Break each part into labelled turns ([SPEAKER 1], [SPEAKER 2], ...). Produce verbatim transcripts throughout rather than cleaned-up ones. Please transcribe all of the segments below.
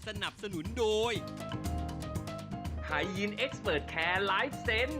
[SPEAKER 1] นับสนุนโดยไทยยินเอ็กซ์เพรสแคร์ไลฟ์เซน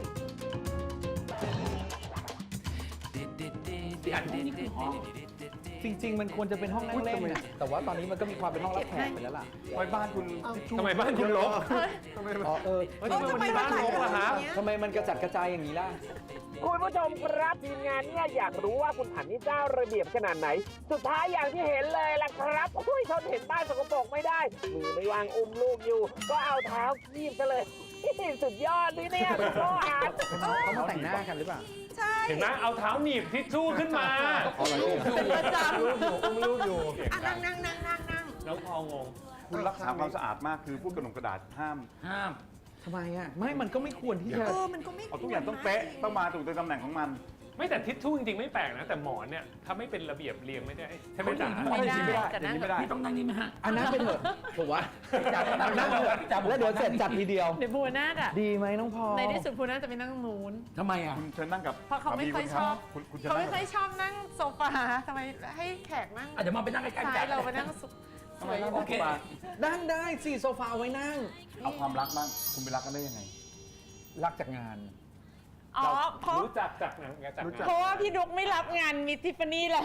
[SPEAKER 2] จริงๆมันควรจะเป็นห้องนั่งเล่นนะแต่ว่าตอนนี้มันก็มีความเป็นห้องรับแขกไปแล้วล่ะ
[SPEAKER 3] ไว้บ้านคุณ
[SPEAKER 4] ทำไมบ้านคุณรก
[SPEAKER 2] อ๋อเออ
[SPEAKER 4] ทำไมมันมีบ้านรกล่ะฮะ
[SPEAKER 2] ทำไมมันกระจัดกระจายอย่างนี้ล่ะ
[SPEAKER 5] คุณผู้ชมครับทีมงานเนี่ยอยากรู้ว่าคุณผันนี่เจ้าระเบียบขนาดไหน สุดท้ายอย่างที่เห็นเลยล่ะครับอุ้ยทนเห็นบ้านสกปรกไม่ได้มือไม่วางอุ้มลูกอยู่ ก็เอาเท้าคีบซะเลย สุดยอดนี่เนี่ยคุณพ่ออาร์ต
[SPEAKER 2] เขามาแต่งหน้ากันหรือเปล่า
[SPEAKER 6] ใช่
[SPEAKER 4] เห็นไหมเอาเท้าหนีบทิชชู่ขึ้นมา
[SPEAKER 6] เป็นประจำ
[SPEAKER 3] อุ้มลูกอยู่
[SPEAKER 6] อ่ะนั่งนั่งนั่งนั่งนั่ง
[SPEAKER 4] แล้วพองง
[SPEAKER 3] คุณรักษาความสะอาดมากคือพวกกระดงกระดาษห้าม
[SPEAKER 4] ห้าม
[SPEAKER 2] ทำไมอ่ะ ไม่ มันก็ไม่ควรที่จะ
[SPEAKER 6] เออมันก็ไม่
[SPEAKER 3] เอาทุกอย่างต้องเป๊ะต้องมาถูกในตำแหน่งของมัน
[SPEAKER 4] ไม่แต่ทิชชู่จริงๆไม่แปลกนะ แต่หมอนเนี่ยถ้าไม่เป็นระเบียบเรียงไม่ได้ใช่ไหมจ๊ะ
[SPEAKER 6] ไม่ได้
[SPEAKER 3] ไม่ได้
[SPEAKER 6] จะนั่ง
[SPEAKER 3] ไม่ได้
[SPEAKER 7] พี่ต้องนั่งนี่ไหมฮะ
[SPEAKER 2] อันนั้นเป็นเถอะถูกวะ
[SPEAKER 7] จับนั่ง
[SPEAKER 2] นั่งเถอะ
[SPEAKER 7] จับ
[SPEAKER 2] แล้วเดี๋ยวเสร็จจัดทีเดียว
[SPEAKER 8] เดี๋ยวภูนาถอ่ะ
[SPEAKER 2] ดีไหมน้องพอ
[SPEAKER 8] ในที่สุดภูนาถจะไปนั่งนู้น
[SPEAKER 7] ทำไมอ่ะ
[SPEAKER 3] คุณเชิญนั่งกับ
[SPEAKER 8] เพราะเขาไม่ค่อยชอบ
[SPEAKER 3] คุณคุณเชิญ
[SPEAKER 8] เขา
[SPEAKER 3] นั่
[SPEAKER 8] ไม่
[SPEAKER 3] ง
[SPEAKER 8] ค่อยชอบนั่งโซฟาทำไมให้แขกนั่ง
[SPEAKER 7] อ่ะเดี๋ยวมาไปนั่งใกล้ๆ
[SPEAKER 8] ซ้า
[SPEAKER 7] จั
[SPEAKER 8] ย
[SPEAKER 7] ด
[SPEAKER 8] เราไปนั่งสุสวย
[SPEAKER 7] โอเค
[SPEAKER 2] นั่งได้สี่โซฟาเอาไว้นั่ง
[SPEAKER 3] เอาความรักบ้างคุณไปรักกันได้ยังไง
[SPEAKER 2] รักจากงาน
[SPEAKER 8] อ๋อเพราะ
[SPEAKER 4] รู้จักจากหนังจากหนัง
[SPEAKER 8] เพราะว่าพี่ดุ๊กไม่รับงานมิทิฟฟานี่แล้ว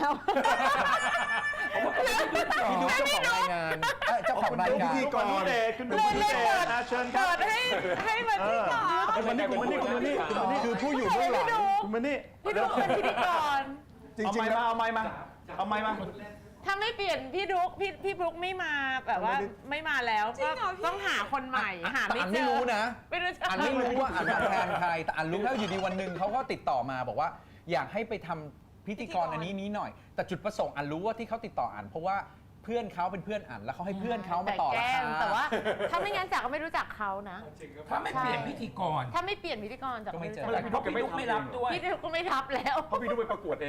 [SPEAKER 2] พี่ดูเจ้าของรายงานเอ้ยเจ้าของรายการ
[SPEAKER 3] พิธีกรคุณเดชคุณดู
[SPEAKER 8] เลย
[SPEAKER 3] คุณ
[SPEAKER 8] เลย
[SPEAKER 3] เด
[SPEAKER 8] เปิ
[SPEAKER 3] ช
[SPEAKER 8] ด
[SPEAKER 3] นะเชิญครับ
[SPEAKER 8] เปิดให้ให้มาที่ก่อน
[SPEAKER 3] คุณมานี่คุณมานี่คุณมานี่คุณมานี่
[SPEAKER 2] คือผู้อยู่เบื้องหลัง
[SPEAKER 3] คุณมานี่
[SPEAKER 8] พี่ดุ๊กเป็นพิธีกร
[SPEAKER 3] เอาไม้มาเอาไม้มาเอาไม้มา
[SPEAKER 8] ถ้าไม่เปลี่ยนพี่ดุ๊กพี่พี่บลุ๊กไม่มาแบบว่าไม่มาแล้วก็ต้องหาคนใหม่หา
[SPEAKER 2] แต่
[SPEAKER 8] ไม่
[SPEAKER 2] อัน
[SPEAKER 8] เจ
[SPEAKER 2] ไม่
[SPEAKER 8] อ
[SPEAKER 2] รู้นะ
[SPEAKER 8] ไม่รู้จะ
[SPEAKER 2] อันไม่รู้ว่าอันมาแทนใคร แต่อันรู้แล้วอยู่ดีวันหนึ่งเขาก็ติดต่อมาบอกว่าอยากให้ไปทำพิธีกรอันนี้นี้หน่อย แต่จุดประสงค์อันรู้ว่าที่เขาติดต่ออันเพราะว่าเพื่อนเขาเป็นเพื่อนอันแล้วเขาให้เพื่อนเขามาต่อราคา
[SPEAKER 8] แต่ว่าถ้าไม่งั้นจากก็ไม่รู้จักเขานะ
[SPEAKER 7] ถ้าไม่เปลี่ยนพิธีกร
[SPEAKER 8] ถ้าไม่เปลี่ยนพิธีกรจากก็ไม่รู้จัก
[SPEAKER 7] เพราะพี่ดุ๊กไม่รับด้วย
[SPEAKER 8] พี่ดุ๊กก็ไม่รับแล้ว
[SPEAKER 3] เพราะพี่ดูไปประกวดเอง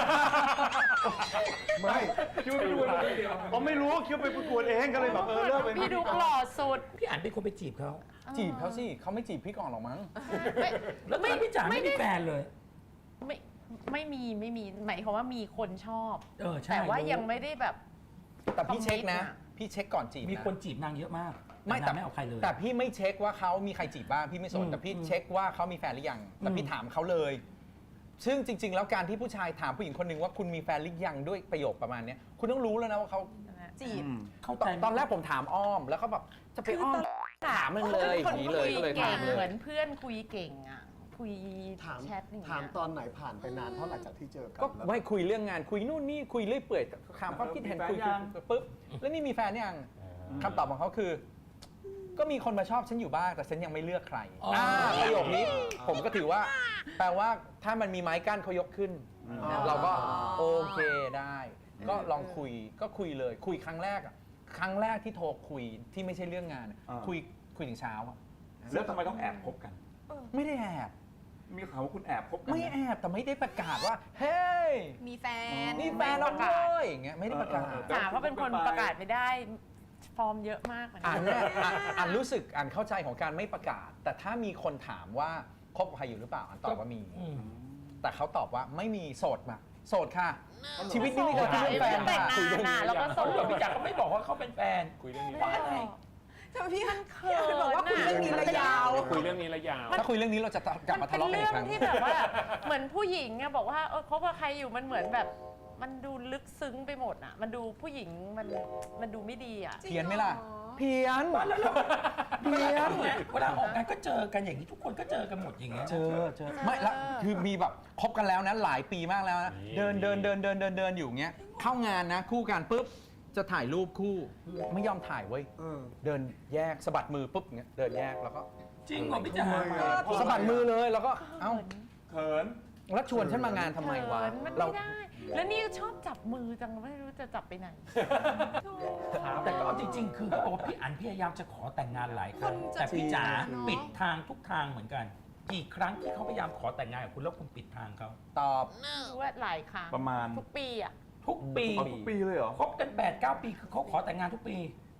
[SPEAKER 3] ไม่คิดว่าพี่ดูไปอ๋อไม่รู้คิดว่าไปประกวดเองก็เลยแบบเออเลิกเป็น
[SPEAKER 8] พี่ดุ๊กหล่อสุด
[SPEAKER 7] พี่อ่านเป็นคนไปจีบเขา
[SPEAKER 2] จีบเขาสิเขาไม่จีบพี่ก่อนหรอกมั้ง
[SPEAKER 8] ไม่
[SPEAKER 7] แล้วตอนนั้นพี่จ๋าไม่มีแฟนเลย
[SPEAKER 8] ไม่ไม่มีไม่มีหมายความว่ามีคนชอบ
[SPEAKER 7] เออใช่
[SPEAKER 8] แต่ว่ายังไม่ได้แบบ
[SPEAKER 2] แต่พี่เช็คนะ
[SPEAKER 8] คอมมิตอะ
[SPEAKER 2] พี่เช็คก่อนจีบ
[SPEAKER 7] มี
[SPEAKER 2] นะ
[SPEAKER 7] คนจีบนางเยอะมาก
[SPEAKER 2] ไม่
[SPEAKER 7] แต่
[SPEAKER 2] แต่
[SPEAKER 7] นางไม่เอาใครเลย
[SPEAKER 2] แต่พี่ไม่เช็คว่าเขามีใครจีบบ้างพี่ไม่ส
[SPEAKER 7] อื
[SPEAKER 2] น
[SPEAKER 7] ม
[SPEAKER 2] แต่พี่
[SPEAKER 7] อืม
[SPEAKER 2] เช็คว่าเขามีแฟนหรือยังแต่พี่
[SPEAKER 7] อืม
[SPEAKER 2] ถามเขาเลย ซึ่งจริง ๆ แล้วการที่ผู้ชายถามผู้หญิงคนหนึ่งว่าคุณมีแฟนหรือยังด้วยประโยคประมาณเนี้ยคุณต้องรู้แล้วนะว่าเขา
[SPEAKER 6] จีบ
[SPEAKER 7] เข้า
[SPEAKER 2] ต
[SPEAKER 7] ใจ
[SPEAKER 2] อนตอนแรกผมถามอ้อมแล้วเขาแบบจะไปอ้อมถามมันเลยอย่างนี้เลยก็เลย
[SPEAKER 8] เก่
[SPEAKER 2] ถาง มเล
[SPEAKER 8] เหมือย นเพื่อนคุยเก่งอ่ะคุย
[SPEAKER 9] ถาม
[SPEAKER 8] แชทอย่าง
[SPEAKER 9] ถาม
[SPEAKER 8] เงี้ย
[SPEAKER 9] ตอนไหนผ่านไปนานเท่าไหร่จากที่เจอกัน
[SPEAKER 2] ก็
[SPEAKER 9] แล้ว
[SPEAKER 2] ไม่คุยเรื่องงานคุยนู่นนี่คุยเรื่อยเปื่อยถามความคิดเห็นคุยคุยปุ๊บแล้วนี่มีแฟนยังคำตอบของเขาคือ ก็มีคนมาชอบฉันอยู่บ้างแต่ฉันยังไม่เลือกใคร
[SPEAKER 7] อ๋ออ่
[SPEAKER 2] าประโยคนี้ผมก็ถือว่า แปลว่าถ้ามันมีไม้กั้นเขายกขึ้น เราก็โอเคได้ ก็ลองคุยก็คุยเลย คุยครั้งแรกอะครั้งแรกที่โทรคุยที่ไม่ใช่เรื่องงานอะ
[SPEAKER 3] อ่า
[SPEAKER 2] คุยคุยถึงเช้าอะ
[SPEAKER 3] แล้วทำไมต้องแอบคบกัน
[SPEAKER 2] ไม่ได้แอบ
[SPEAKER 3] มีข่าวว่าคุณแอบคบกัน
[SPEAKER 2] ไม่แอบแต่ไม่ได้ประกาศว่าเฮ้ย
[SPEAKER 6] มีแฟน
[SPEAKER 2] นี่แฟนเราเลยอย่างเงี้ยไม่ได้ประกาศ
[SPEAKER 8] จ๋าเขาเป็นคนประกาศไม่ได้ฟอร์มเยอะมากเหมือนกั
[SPEAKER 2] อ่านเนี่ยอ่านอ่านรู้สึกอ่านเข้าใจของการไม่ประกาศ แต่ถ้ามีคนถามว่าคบกับใครอยู่หรือเปล่าอ่านตอบว่ามี
[SPEAKER 7] อืม
[SPEAKER 2] แต่เขาตอบว่าไม่มีโสดมาโสดค่ะ ชีวิตนี้ไม่เคยคิดเรื่องแฟน
[SPEAKER 8] แต่ง
[SPEAKER 2] ค่ะ
[SPEAKER 8] งานอ่ะแล้วก็โส
[SPEAKER 7] เขา
[SPEAKER 8] ด
[SPEAKER 7] บอกพี่จ๋าก็ไม่บอกว่าเขาเป็นแฟน
[SPEAKER 4] คุยเรื่องนี้
[SPEAKER 7] ว่าอะไร
[SPEAKER 6] ทำไมพี่
[SPEAKER 8] มันเขิน
[SPEAKER 6] พี่บอกว่าคุยเรื่องนี้ระยาว
[SPEAKER 4] คุยเรื่องนี้ระยาว
[SPEAKER 2] ถ้าคุยเรื่องนี้เราจะกลับ
[SPEAKER 8] มั
[SPEAKER 2] มาน
[SPEAKER 8] เป็
[SPEAKER 2] ทะ
[SPEAKER 8] น
[SPEAKER 2] เลาะกัน
[SPEAKER 8] เรื่
[SPEAKER 2] อี
[SPEAKER 8] อก ง
[SPEAKER 2] ครั้ง
[SPEAKER 8] ที่แบบว่าเหมือนผู้หญิงอะบอกว่าเออคบกับใครอยู่มันเหมือนแบบ มันดูลึกซึ้งไปหมดอะมันดูผู้หญิงมันมันดูไม่ดีอะ
[SPEAKER 2] เพี้ยนไหมล่ะ เพี้ยน
[SPEAKER 7] แล้วเรา
[SPEAKER 2] เพี้ยน
[SPEAKER 7] เวลาออกงานก็เจอกันอย่างนี้ทุกคนก็เจอกันหมดอย่างเงี้ย
[SPEAKER 2] เจอเจอไม่ละคือมีแบบคบกันแล้วนะหลายปีมากแล้วนะเดินเดินเดินเดินเดินเดินอยู่เงี้ยเข้างานนะ คู่กันปุ๊บจะถ่ายรูปคู่ไม่ยอมถ่ายเว้ย
[SPEAKER 9] เออ
[SPEAKER 2] เดินแยกสะบัดมือปุ๊บเงี้ยเดินแยกแล้วก็
[SPEAKER 7] จริงเหรอพี่จ๋า
[SPEAKER 2] สะบัดมือเลยแล้วก็เอ้า
[SPEAKER 3] เขิน
[SPEAKER 2] แล้วชวนฉันมางานทำไมวะ
[SPEAKER 8] เขินมัน
[SPEAKER 2] เรา
[SPEAKER 8] ไม่ได้ แล้วนี่ก็ชอบจับมือจังไม่รู้จะจับไปไหน
[SPEAKER 7] แต่ก็เอาจริง ๆ คือเขาบอกว่าพี่อันพยายามจะขอแต่งงานหลายครั้ง
[SPEAKER 6] คนจะ
[SPEAKER 7] แต่พี่จ๋า
[SPEAKER 6] เนอะ
[SPEAKER 7] ปิดทางทุกทางเหมือนกัน กี่ครั้งที่เขาพยายามขอแต่งงานกับคุณแล้วคุณปิดทางเขา
[SPEAKER 2] ตอบ
[SPEAKER 8] รู้ว่าหลายครั้ง
[SPEAKER 3] ประมาณ
[SPEAKER 8] ทุกปีอะ
[SPEAKER 7] ทุกปี
[SPEAKER 3] เอาทุกปีเลยเหรอ
[SPEAKER 7] คบกันแปดเก้าปีคือเขาขอแต่งงานทุกปี
[SPEAKER 2] คือ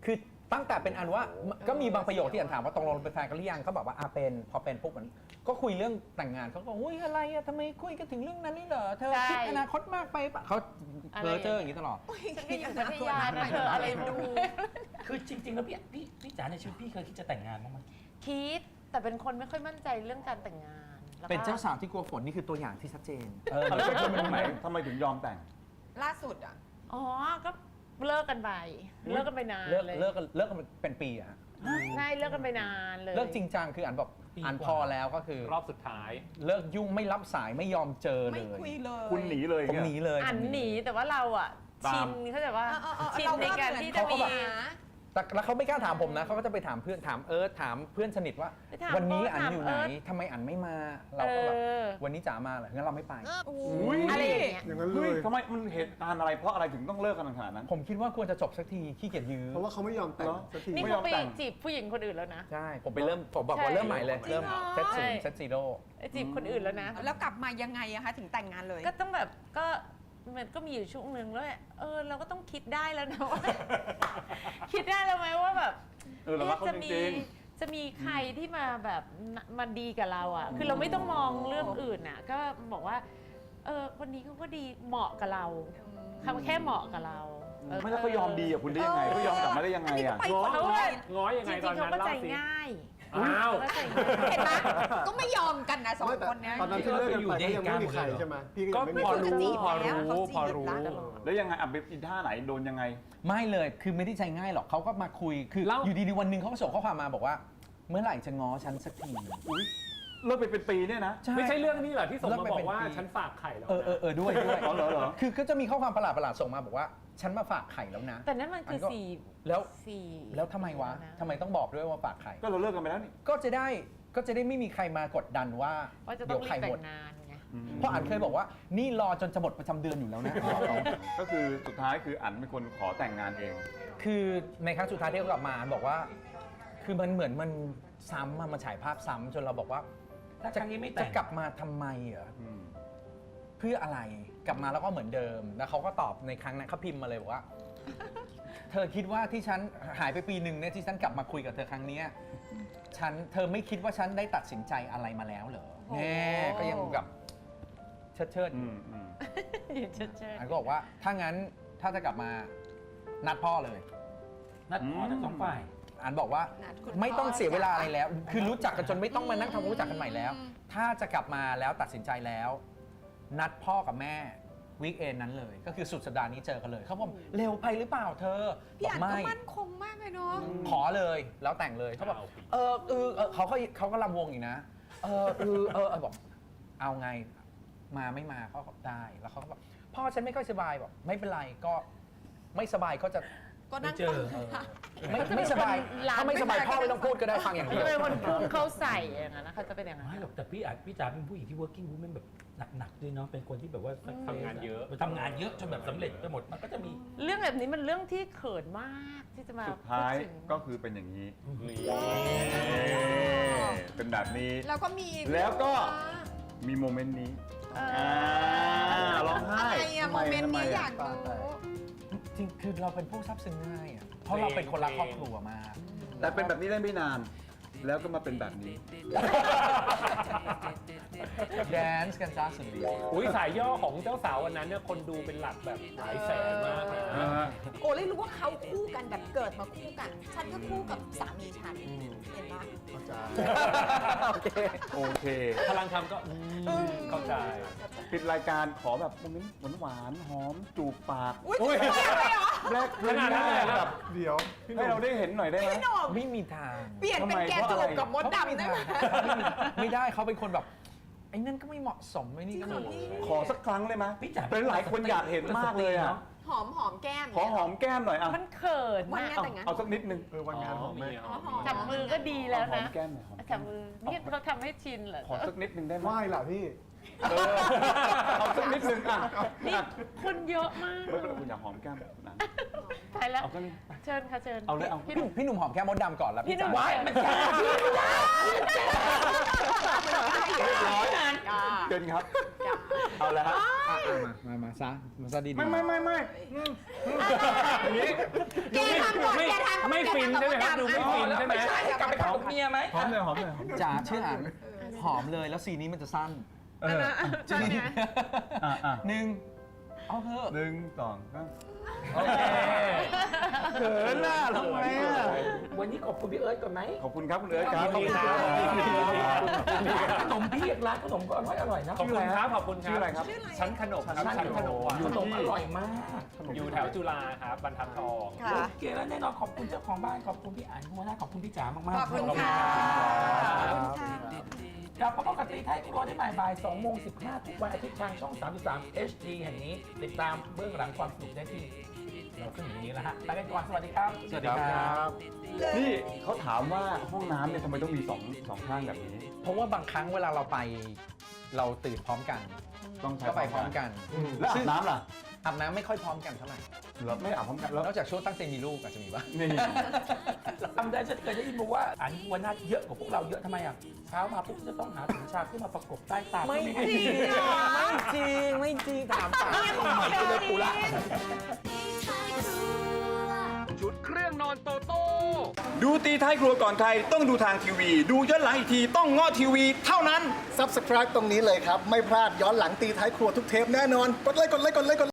[SPEAKER 2] ตั้งแต่เป็นอันว่าก็มีบางประโยคที่อันถามว่าตกลงเป็นแฟนกันหรือยังเขาบอกว่าอ่ะเป็นพอเป็นปุ๊บมันก็คุยเรื่องแต่งงานเขาก็อุ้ยอะไรอะทำไมคุยกันถึงเรื่องนั้นนี่เหรอเธอ
[SPEAKER 8] ใช่
[SPEAKER 2] คิดอนาคตมากไปปะเขาเพ้อเจ้ออย่างนี้ตลอด
[SPEAKER 8] ฉันก็อยู่พัทยานะเธออะไรดู
[SPEAKER 7] คือจริง ๆ แล้วพี่พี่พี่จ๋าในชีวิตพี่เคยคิดจะแต่งงานบ้างไหม
[SPEAKER 8] คิดแต่เป็นคนไม่ค่อยมั่นใจเรื่องการแต่งงานแล้วก็
[SPEAKER 2] เป็นเจ้าสาวที่กลัวฝนนี่คือตัวอย่างที่ชัดเจน
[SPEAKER 3] เออแล้วทำไมทำไมทำไมถึงยอมแต่ง
[SPEAKER 6] ล่าสุดอ่ะ
[SPEAKER 8] อ๋อก็เลิกกันไปเลิกกันไปนาน
[SPEAKER 2] เลิก
[SPEAKER 8] เลย
[SPEAKER 2] เลิกกันเลิกกันเป็นปีอะฮะ
[SPEAKER 8] ใช่เลิกกันไปนานเลย
[SPEAKER 2] เลิกจริงจังคืออันบอกอันพอแล้วก็คือ
[SPEAKER 4] รอบสุดท้าย
[SPEAKER 2] เลิกยุ่งไม่รับสายไม่ยอมเจอเล
[SPEAKER 6] ไม่
[SPEAKER 2] ย
[SPEAKER 6] คุยเลย
[SPEAKER 3] คุณหนีเลย
[SPEAKER 2] ผมหนีเลย
[SPEAKER 8] อันหนีแต่ว่าเราอ่ะ
[SPEAKER 3] ตาม
[SPEAKER 8] ชินเขาใจว่า
[SPEAKER 6] เออเออเออ
[SPEAKER 8] ชิน
[SPEAKER 6] เรา
[SPEAKER 8] ในการที่จะ
[SPEAKER 6] เขาก็
[SPEAKER 8] มี
[SPEAKER 6] แบบ
[SPEAKER 2] แต่แล้วเขาไม่กล้าถามผมนะเขาก็จะไปถามเพื่อนถามเอิร์ธถามเพื่อนสนิทว่า
[SPEAKER 8] ไปถาม
[SPEAKER 2] วันนี้
[SPEAKER 8] เอิร์ธ
[SPEAKER 2] อันอยู่ไหน
[SPEAKER 8] ถามเอิร์ธ
[SPEAKER 2] ทำไมอันไม่มาเราก็แบบ
[SPEAKER 8] เออ
[SPEAKER 2] วันนี้จ๋ามาเหรองั้นเราไม่ไป
[SPEAKER 3] อุ้ย
[SPEAKER 8] อะไรอย่างเงี้ย
[SPEAKER 9] อย่างนั้นเล
[SPEAKER 3] เฮ้ย
[SPEAKER 9] ย
[SPEAKER 3] ทำไมมันเหตุการณ์อะไรเพราะอะไรถึงต้องเลิกกันขนาดนั้น
[SPEAKER 2] ผมคิดว่าควรจะจบสักทีขี้เกียจยื้อ
[SPEAKER 9] เพราะว่าเขาไม่ยอมแต่ง
[SPEAKER 3] เหรอ
[SPEAKER 9] สักที
[SPEAKER 8] นี่
[SPEAKER 3] ไม่ย
[SPEAKER 8] เขา
[SPEAKER 3] อม
[SPEAKER 8] ไป
[SPEAKER 3] แต่ง
[SPEAKER 8] จีบผู้หญิงคนอื่นแล้วนะ
[SPEAKER 2] ใช่ผมไปเริ่มผมบอก
[SPEAKER 8] ใช่
[SPEAKER 2] ว่าเริ่มใหม่เลย เริ่มเซต
[SPEAKER 8] ใช่
[SPEAKER 2] ศูนย์เซตซีโร่
[SPEAKER 8] ไปจีบคนอื่นแล้วนะ
[SPEAKER 6] แล้วกลับมายังไงอะคะถึงแต่งงานเลย
[SPEAKER 8] ก็ต้องแบบก็มันก็มีอยู่ช่วงหนึ่งแล้วแหละเออเราก็ต้องคิดได้แล้วนะว่า คิดได้แล้วไหมว่าแบบ
[SPEAKER 3] เออเรารักเขา
[SPEAKER 8] จะ
[SPEAKER 3] จ
[SPEAKER 8] มี
[SPEAKER 3] ริง
[SPEAKER 8] จะมีใครที่มาแบบมาดีกับเราอ่ะ คือเราไม่ต้องมองเรื่องอื่นอ่ะ ก็บอกว่า เออคนนี้เขาก็ดีเหมาะกับเราคำแค่เหมาะกับเราเออ
[SPEAKER 3] ไม่แล้วเขายอมดีกับคุณได้ยังไงเขายอมกลับมาได้ยังไง
[SPEAKER 6] อันนี้ก็
[SPEAKER 3] อ่ะ
[SPEAKER 6] ไป
[SPEAKER 4] ง้อ
[SPEAKER 6] คน
[SPEAKER 8] เขา
[SPEAKER 6] เดี
[SPEAKER 8] ว่า
[SPEAKER 6] ยว
[SPEAKER 4] ง้อยัง
[SPEAKER 8] จ
[SPEAKER 4] ไง
[SPEAKER 8] ริ
[SPEAKER 4] ตอง น
[SPEAKER 8] ๆเขา
[SPEAKER 4] นั้น
[SPEAKER 8] ก็
[SPEAKER 4] เล่า
[SPEAKER 8] ใจ
[SPEAKER 4] สิ
[SPEAKER 8] ง่าย
[SPEAKER 4] อ้าว
[SPEAKER 8] เขาก็ใจง่าย
[SPEAKER 6] เห็นไหมก็ไม่ยอมกันนะสอง
[SPEAKER 9] ไม่แต่
[SPEAKER 6] คนเนี้ย
[SPEAKER 9] ตอนนั้นที่เลิกกันไปก็ยังไม่มีใครใช่ไหมพี่ก็
[SPEAKER 4] ก็
[SPEAKER 9] ยังไม่
[SPEAKER 4] พอ
[SPEAKER 9] มีใคร
[SPEAKER 4] รู้
[SPEAKER 6] จีบ
[SPEAKER 4] พอ
[SPEAKER 6] แล้ว
[SPEAKER 4] รู้
[SPEAKER 6] เขาจีบ
[SPEAKER 4] พอรู้
[SPEAKER 6] ตลอด
[SPEAKER 3] แล้วยังไงอ่ะไปอินท่าไหนโดนยังไง
[SPEAKER 2] ไม่เลยคือไม่ได้ใจง่ายหรอกเขาก็มาคุยคือ
[SPEAKER 4] เล่า
[SPEAKER 2] อยู่ดีๆวันหนึ่งเขาก็ส่งข้อความมาบอกว่า เมื่อไหร่จะง้อฉันสักที
[SPEAKER 3] อุ้ยเลิกไปเป็นปีเนี่ยนะ
[SPEAKER 4] ไม่ใช่เรื่องนี้เหรอที่ส่ง
[SPEAKER 2] เลิก
[SPEAKER 4] มา
[SPEAKER 2] ไป
[SPEAKER 4] บอ
[SPEAKER 2] เป็น
[SPEAKER 4] กว่า
[SPEAKER 2] ปี
[SPEAKER 4] ฉันฝากไข่แล้ว
[SPEAKER 2] เออเออเออด้วยด้วย
[SPEAKER 3] อ๋อเหรอเหรอ
[SPEAKER 2] คือก็จะมีข้อความประหลาดประหลาดๆส่งมาบอกว่า ฉันมาฝากไข่แล้วนะ
[SPEAKER 8] แต่นั่นมันคือ
[SPEAKER 2] อันก็
[SPEAKER 8] สี่
[SPEAKER 2] แล้ว
[SPEAKER 8] สี่
[SPEAKER 2] แล้วทำไมวะ
[SPEAKER 8] น
[SPEAKER 2] ทำไมต้องบอกด้วยว่าฝากไข่
[SPEAKER 3] ก็เราเลิกกันไปแล้วนี่
[SPEAKER 2] ก็จะได้ก็จะได้ไม่มีใครมากดดันว่า
[SPEAKER 8] ว่าจะต้
[SPEAKER 2] เดี๋
[SPEAKER 8] อย ง
[SPEAKER 2] ว
[SPEAKER 8] รี
[SPEAKER 2] ไข่
[SPEAKER 8] บแต่
[SPEAKER 2] หมด
[SPEAKER 8] งงานไง
[SPEAKER 2] เพราะอันเคยบอกว่านี่รอจนจะหมดประจำเดือนอยู่แล้วนะ
[SPEAKER 3] ก็คือสุดท้ายคืออันเป็นคนขอแต่งงานเอง
[SPEAKER 2] คือในครั้งสุดท้ายที่เขากลับมาอันบอกว่า คือมันเหมือนมันซ้ำอะมันฉายภาพซ้ำจนเราบอกว่า
[SPEAKER 7] ถ้าครั้งนี้ไม่แต่
[SPEAKER 2] จะ
[SPEAKER 7] ง
[SPEAKER 2] กลับมาทำไมเหรอ
[SPEAKER 3] อืม
[SPEAKER 2] เพื่ออะไรกลับมาแล้วก็เหมือนเดิม แล้วเขาก็ตอบในครั้งนั้นเขาพิมพ์มาเลยบอกว่า เธอคิดว่าที่ฉันหายไปปีหนึ่งเนี่ยที่ฉันกลับมาคุยกับเธอครั้งเนี้ยฉันเธอไม่คิดว่าฉันได้ตัดสินใจอะไรมาแล้วเหรอแน่ก็ยังแบบเชิดเชิดๆอ
[SPEAKER 3] อื
[SPEAKER 2] ยู่
[SPEAKER 3] มอืม
[SPEAKER 8] เชิดเชิด
[SPEAKER 2] อันก็บอกว่าถ้างั้นถ้าจะกลับมานัดพ่อเลย
[SPEAKER 7] นัดพอทั้งสองฝ่าย
[SPEAKER 2] อันบอกว่า
[SPEAKER 6] นัดคุณ
[SPEAKER 2] ไม่ต้อง
[SPEAKER 6] พ่อ
[SPEAKER 2] เสียเวลาอะไรแล้ว คือรู้จักกันจนไม่ต้องมานั่งทำความรู้จักกันใหม่แล้ว
[SPEAKER 6] อืม
[SPEAKER 2] ถ้าจะกลับมาแล้วตัดสินใจแล้ว นัดพ่อกับแม่วีคเอนนั้นเลย ก็คือสุดสัปดาห์นี้เจอกันเลยเขาบอกเร็วไปหรือเปล่าเธอ
[SPEAKER 6] พี่
[SPEAKER 2] บอ
[SPEAKER 6] อั
[SPEAKER 2] ก
[SPEAKER 6] นก็
[SPEAKER 2] ไม่
[SPEAKER 6] มั่นคงมากเลยเนาะ
[SPEAKER 2] ขอเลยแล้วแต่งเลยเขาบอก
[SPEAKER 4] เอาสิ
[SPEAKER 2] เออเออเออเขาก็เขาก็ลำวงอีกนะเออเออเออเออบอกเอาไงมาไม่มาเขาก็ได้แล้วเขาก็บอกพ่อฉันไม่ค่อยสบายบอกไม่เป็นไรก็ไม่สบายก็จะ
[SPEAKER 6] ก็นั่ง
[SPEAKER 7] ไม่เจอ
[SPEAKER 6] ฟัง
[SPEAKER 2] เออไม่ไม่สบายถ้าไม่สบายพ่อไม่ต้องพูดก็ได้ฟังอย่างเดียว
[SPEAKER 8] จะเป็นคนพุ่งเข้าใส่อย่างนั้นนะเขาจะเป็นอย่างนั้น
[SPEAKER 7] ไม่หรอกแต่พี่อาจพี่จ๋าเป็นผู้หญิงที่ working woman แบบหนักๆด้วยเนาะเป็นคนที่แบบว่า
[SPEAKER 4] ทำงานเยอะ
[SPEAKER 7] ทำงานเยอะจนแบบสำเร็จไปหมดมันก็จะมี
[SPEAKER 8] เรื่องแบบนี้มันเรื่องที่เขินมากที่จะมา
[SPEAKER 3] สุดท้าย
[SPEAKER 8] พูดถึง
[SPEAKER 3] ก็คือเป็นอย่างนี้
[SPEAKER 4] นี่
[SPEAKER 3] เป็นแบบนี้
[SPEAKER 6] แล้วก็มี
[SPEAKER 3] แล้วก็ มีโมเมนต์นี้
[SPEAKER 8] เอ
[SPEAKER 3] อ่า
[SPEAKER 8] อ
[SPEAKER 3] ร้องไห้
[SPEAKER 6] อะไรอะโมเมนต์
[SPEAKER 3] ทำไ
[SPEAKER 6] นี้อยาก
[SPEAKER 3] ทำไม
[SPEAKER 6] รู้
[SPEAKER 2] จริงคือเราเป็นผู้ซับซึ้งง่ายอ่ะเพราะเราเป็นคนรักครอบครัวมาก
[SPEAKER 3] แต่เป็นแบบนี้ได้ไม่นาน แล้วก็มาเป็นแบบนี้
[SPEAKER 2] แดนซ์กันจ้าสุดฤทธิ์
[SPEAKER 4] อุ้ยสายย่อของเจ้าสาววันนั้นเนี่ยคนดูเป็นหลักแบบหลายแสนมากเลยนะ
[SPEAKER 6] โอ้เลยรู้ว่าเขาคู่กันแบบเกิดมาคู่กัน ฉันก็คู่กับสามีฉัน เห็นปะ
[SPEAKER 9] เข้าใจ
[SPEAKER 2] โอเค
[SPEAKER 3] โอเค
[SPEAKER 4] พลังทำก็อืมเข้าใจ
[SPEAKER 3] ปิดรายการขอแบบโมเมนต์หวานๆหอมจูบปาก
[SPEAKER 6] อุ้ย
[SPEAKER 4] อุ๊ย
[SPEAKER 6] จะไปเหรอ
[SPEAKER 3] แรก
[SPEAKER 4] ขนาดนั้นเลยเหรอ
[SPEAKER 3] แบบ
[SPEAKER 9] เดี๋ยว พี่ห
[SPEAKER 3] ให้
[SPEAKER 9] นุ่
[SPEAKER 3] เรา
[SPEAKER 9] ม
[SPEAKER 3] ได้เห็นหน่อยได้ไหม
[SPEAKER 6] พี่หนุ่ม
[SPEAKER 2] ไม่มีทาง
[SPEAKER 6] เปลี่ยนเป็นแกจูบกับมดดำได้ไหม
[SPEAKER 2] ไม่ได้เขาเป็นคนแบบไอ้นั่นก็ไม่เหมาะสมไอ้นี่ก็ไม่เหมาะสม
[SPEAKER 3] ขอสักครั้งเลยไหม
[SPEAKER 7] พี่จ๋า
[SPEAKER 3] เป็นหลายคนอยากเห็นมากเลยอ่ะ
[SPEAKER 6] หอมหอมแก้ม
[SPEAKER 3] ขอหอมแก้มหน่อยอ่ะ
[SPEAKER 8] มันเขิน
[SPEAKER 6] วัน
[SPEAKER 8] มาก
[SPEAKER 6] งาน
[SPEAKER 3] เอา
[SPEAKER 6] แต่งงาน
[SPEAKER 3] เอาสักนิดนึง
[SPEAKER 9] เออวันงานหอมไหม
[SPEAKER 6] อ๋อหอม
[SPEAKER 8] จับมือก็ดีแล้ว
[SPEAKER 3] หอ
[SPEAKER 8] นะ
[SPEAKER 3] มแก้มหน่อยหอมแก้
[SPEAKER 8] จับ
[SPEAKER 3] ม
[SPEAKER 8] มือนี่เขาทำให้ชินเหรอ
[SPEAKER 3] ขอสักนิดนึงได้ไหม
[SPEAKER 9] ไหว้ล่ะพี่
[SPEAKER 3] เออเอาสักนิดนึงอ่ะ
[SPEAKER 8] นี่
[SPEAKER 3] อ่ะ
[SPEAKER 8] คนเยอะมาก
[SPEAKER 3] ไม่เป็นไรคุณอยากหอมแก้มนั้น
[SPEAKER 8] ตายแล้ว
[SPEAKER 3] เอาสักนิด
[SPEAKER 8] เชิญค่ะเชิญ
[SPEAKER 3] เอาเลยเอา
[SPEAKER 2] พี่หนุ่มพี่หนุ่มหอมแก้มมดดำก่อนแล้ว
[SPEAKER 8] พี่หนุ่ม
[SPEAKER 2] จ๋า
[SPEAKER 8] มันจะ
[SPEAKER 3] เรียบร้อยเกินครับเอาแล้วฮะ
[SPEAKER 2] อ่ะอ่ะมามามาซะมาซะดีๆ
[SPEAKER 3] ไม่ไม่ไม่ไม่
[SPEAKER 4] อย่างนี้
[SPEAKER 6] แกทำก่อน
[SPEAKER 4] ไม่
[SPEAKER 6] แกทำก่อน
[SPEAKER 4] ไม่ฟินใช่ไหมครับ
[SPEAKER 6] แกทำก่อน
[SPEAKER 4] ดูไม่ฟินใช่ไหม
[SPEAKER 7] ไม่ใช่กลับไปทำกับเมียไหม
[SPEAKER 3] หอมเลยหอมเลย
[SPEAKER 2] จ๋าชื่ออันหอมเลยแล้วซีนนี้มันจะสั้น
[SPEAKER 3] เออ
[SPEAKER 2] จริง
[SPEAKER 3] อ่ะอ่ะ
[SPEAKER 2] หนึ่งเอาเถอะ
[SPEAKER 3] หนึ่งสองสาม
[SPEAKER 2] โอเค
[SPEAKER 3] เขินน่ะทำไมอ่ะ
[SPEAKER 7] วันนี้ขอบคุณพี่เอิร์ธก่อนไหม
[SPEAKER 3] ขอบคุณครับคุณเอิร์ธครับ
[SPEAKER 4] ขอบคุณครับ
[SPEAKER 7] ร้านขนมพี่ร้านขนมก็อร่อยอร่อยนะ
[SPEAKER 4] ขอบคุณครับขอบคุณครับ
[SPEAKER 3] ชื่ออะไรครับ
[SPEAKER 4] ชั้นขนมครับ
[SPEAKER 7] ชั้น
[SPEAKER 4] ชั้นขนมหวาน
[SPEAKER 7] ขนมอร่อยมาก
[SPEAKER 4] อยู่แถวจุฬาครับบรรทัดทอง
[SPEAKER 6] ค่ะ
[SPEAKER 7] โอเคแล้วแน่นอนขอบคุณเจ้าของบ้านขอบคุณพี่อันหัวหน้าขอบคุณพี่จ๋ามากๆ
[SPEAKER 6] ขอบคุณค่ะ
[SPEAKER 7] ขอบคุณค่ะกลับมาพบกับตีไทยครัวได้ใหม่บ่ายสองโมงสิบห้าทุกวันอาทิตย์ทางช่องสามสิบสาม เอช ดี แห่งนี้ติดตามเบื้องหลังความสนุกได้ที่เราขึ้นอย่างนี้แล้วฮะไปกันก่อนสวัสดีครับ
[SPEAKER 2] สวัสดีครับ
[SPEAKER 3] นี่เขาถามว่าห้องน้ำเนี่ยทำไมต้องมีสองสองข้างแบบนี้
[SPEAKER 2] เพราะว่าบางครั้งเวลาเราไปเราตื่นพร้อมกัน
[SPEAKER 3] ต้องใช้
[SPEAKER 2] ก็ไปพร้อมกัน
[SPEAKER 3] แล้วอา
[SPEAKER 2] ซึ่
[SPEAKER 3] บ
[SPEAKER 2] ง
[SPEAKER 3] น้ำล่ะ
[SPEAKER 2] อาบน้ำไม่ค่อยพร้อมกันเท่าไหร่
[SPEAKER 3] เราไม่อาบพร้อมกันแล้ว
[SPEAKER 2] นอกจากช่วงตั้งใจมีลูกอาจจะมีบ้าง
[SPEAKER 3] นี่
[SPEAKER 7] จำได้ฉันเคยได้ยินมาว่าอันหัวหน้าเยอะกว่าพวกเราเยอะทำไมอ่ะเช้ามาปุ๊บจะต้องหาถุงชาขึ้นมาประกบใต้ตา
[SPEAKER 2] ไม่
[SPEAKER 7] เพื่อ
[SPEAKER 2] จริง
[SPEAKER 7] ให้
[SPEAKER 2] ไม่จริง ไม่จริง ถามป่า
[SPEAKER 7] ใหม่ไปเลยกูละ
[SPEAKER 1] ชุดเครื่องนอนโตโต้
[SPEAKER 3] ดูตีท้ายครัวก่อนใครต้องดูทางทีวี ดูย้อนหลังอีกทีต้องง้อทีวีเท่านั้น
[SPEAKER 9] Subscribe ตรงนี้เลยครับ ไม่พลาดย้อนหลังตีท้ายครัวทุกเทปแน่นอน กดไลค์กดไลค์กดไลค์กด